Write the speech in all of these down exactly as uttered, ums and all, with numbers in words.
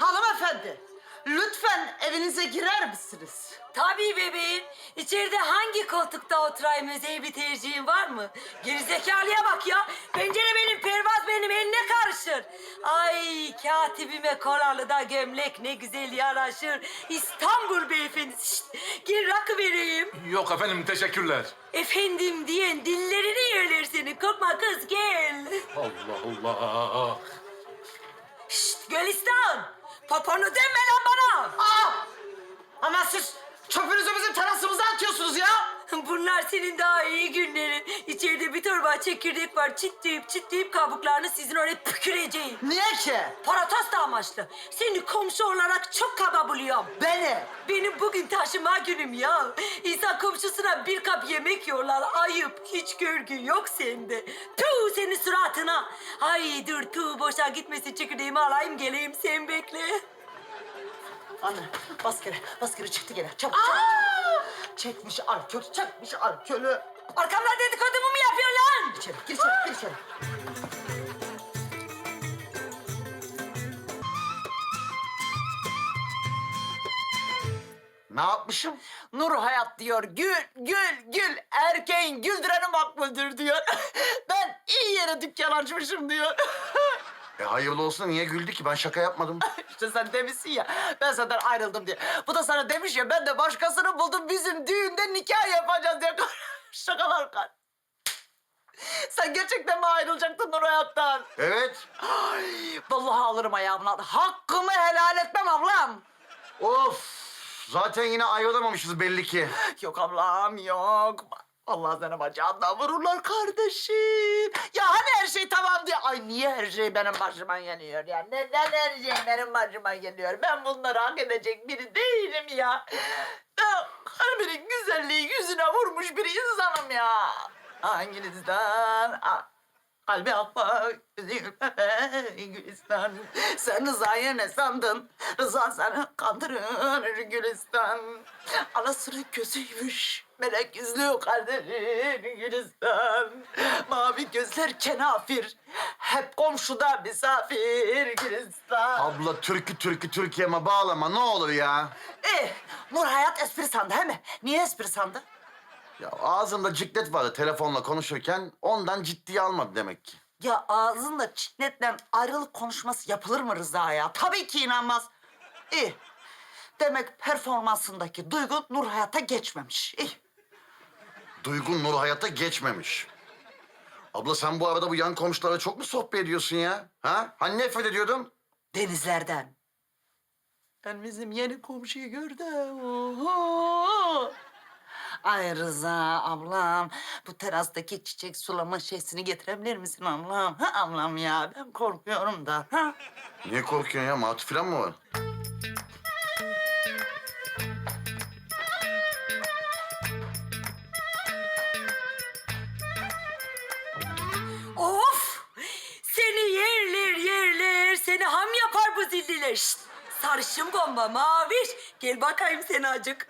Hanımefendi, lütfen evinize girer misiniz? Tabii bebeğim. İçeride hangi koltukta oturayım özel bir tercihin var mı? Gerizekalıya bak ya. Pencere benim, pervaz benim, eline karışır. Ay katibime kolalı da gömlek ne güzel yaraşır. İstanbul beyefendisi. Şişt, gel rakı vereyim. Yok efendim, teşekkürler. Efendim diyen dillerini yerler senin. Korkma kız gel. Allah Allah. Şşt Gülistan. Paponu deme lan bana. Aa! Ama siz çöpünüzü bizim terasımıza atıyorsunuz ya. Bunlar senin daha iyi günlerin. İçeride bir torba çekirdek var. Çitleyip çitleyip kabuklarını sizin oraya püküreceğim. Niye ki? Protesto amaçlı. Seni komşu olarak çok kaba buluyorum. Beni. Benim bugün taşıma günüm ya. İnsan komşusuna bir kap yemek yiyorlar. Ayıp. Hiç görgü yok sende. Tüh senin suratına. Ay dur tüh boşa gitmesin çekirdeğimi alayım geleyim sen bekle. Anne, bas geri, bas geri çıktı gene. Çabuk, çabuk, çabuk. Çekmiş alkol, çekmiş alkolü. Arkamdan dedikodumu mu yapıyorsun lan? İçeri, gir içeri, gir içeri. Ne yapmışım? Nur hayat diyor, gül, gül, gül. Erkeğin güldüreni makbuldür diyor. Ben iyi yere dükkan açmışım diyor. E hayırlı olsun, niye güldü ki? Ben şaka yapmadım. İşte sen demişsin ya, ben senden ayrıldım diye. Bu da sana demiş ya, ben de başkasını buldum, bizim düğünde nikah yapacağız diye. Şakalar kal. Sen gerçekten mi ayrılacaktın Nur hayattan? Evet. Ay, vallahi alırım ayağımın altına. Hakkımı helal etmem ablam. Of! Zaten yine ayrılamamışız belli ki. Yok ablam, yok. Allah sana bacağından vururlar kardeşim. Ya hani her şey tamam diye. Ay niye her şey benim başıma geliyor ya? Neden her şey benim başıma geliyor? Ben bunları hak edecek biri değilim ya. Ben kalbinin güzelliği yüzüne vurmuş bir insanım ya. Hanginizden? Ah, kalbi akmak, Gülistan. Sen Rıza'yı ne sandın? Rıza seni kandırır Gülistan. Anasının gözüymüş. Melek yüzlü kardeşin Gülistan. Mavi gözler kenafir. Hep komşuda misafir Gülistan. Abla türkü türkü Türkiye'me bağlama ne olur ya. Eh, Nur hayat espri sandı he mi? Niye espri sandı? Ya ağzımda ciklet vardı telefonla konuşurken, ondan ciddiye almadı demek ki. Ya ağzınla çitletle ayrılık konuşması yapılır mı Rıza ya? Tabii ki inanmaz. İyi. Demek performansındaki duygu Nur hayata geçmemiş. İyi. Duygun Nur hayata geçmemiş. Abla sen bu arada bu yan komşulara çok mu sohbet ediyorsun ya? Ha? Hani nefret ediyordun? Denizlerden. Ben bizim yeni komşuyu gördüm. Oho! Ay Rıza ablam, bu terastaki çiçek sulama şeysini getirebilir misin ablam? Ha ablam ya, ben korkuyorum da. Ha? Niye korkuyorsun ya? Matı falan mı var? Of! Seni yerler yerler, seni ham yapar bu zilliler. Şşt! Sarışın bomba maviş. Gel bakayım sen acık.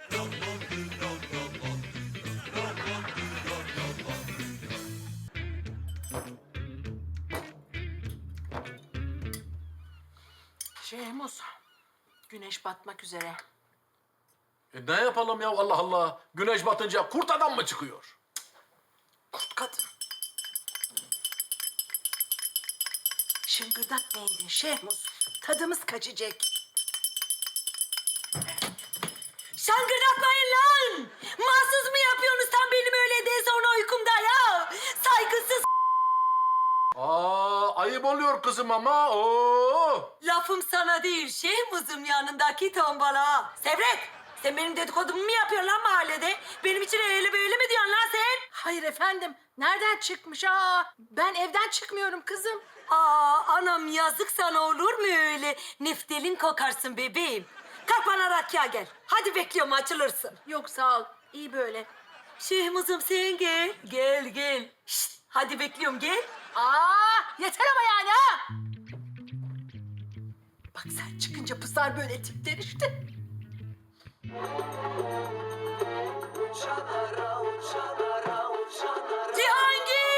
Şehmuz, güneş batmak üzere. E ne yapalım ya, Allah Allah. Güneş batınca kurt adam mı çıkıyor? Kurt kadın. Şıngırdatmayın Şehmuz, tadımız kaçacak. Şangırdatmayın lan! Mahsus mu yapıyorsunuz tam benim öğleden sonra uykumda ya? Saygısız Aa, ayıp oluyor kızım ama. Oo. lafım sana değil, Şehmuz'um yanındaki tombala. Sevret! Sen benim dedikodumu mu yapıyorsun lan mahallede? Benim için öyle böyle mi diyorsun lan sen? Hayır efendim, nereden çıkmış? Aa, ben evden çıkmıyorum kızım. Aa anam yazık sana olur mu öyle? Neftelin kokarsın bebeğim. Kalk bana rakıya gel. Hadi bekliyorum açılırsın. Yok sağ ol, iyi böyle. Şehmuz'um sen gel. Gel gel. Şşt, hadi bekliyorum gel. Aa, yeter ama yani ha! Bak sen çıkınca pısar böyle tipler işte.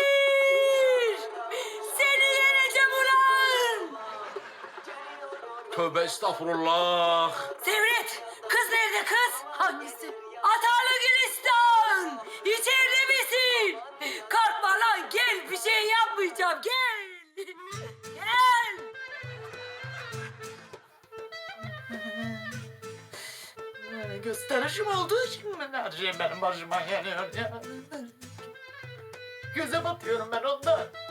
Cihangir! Seni yeneceğim ulan! Tövbe estağfurullah. Sevret, kız nerede kız? Hangisi? Atarlı Gülistan! İçeride misin? Korkma lan, gel, bir şey yapmayacağım, gel! Gel! Yani gösterişim olduğu için mi her şey benim başıma geliyor ya? Göze batıyorum ben ondan.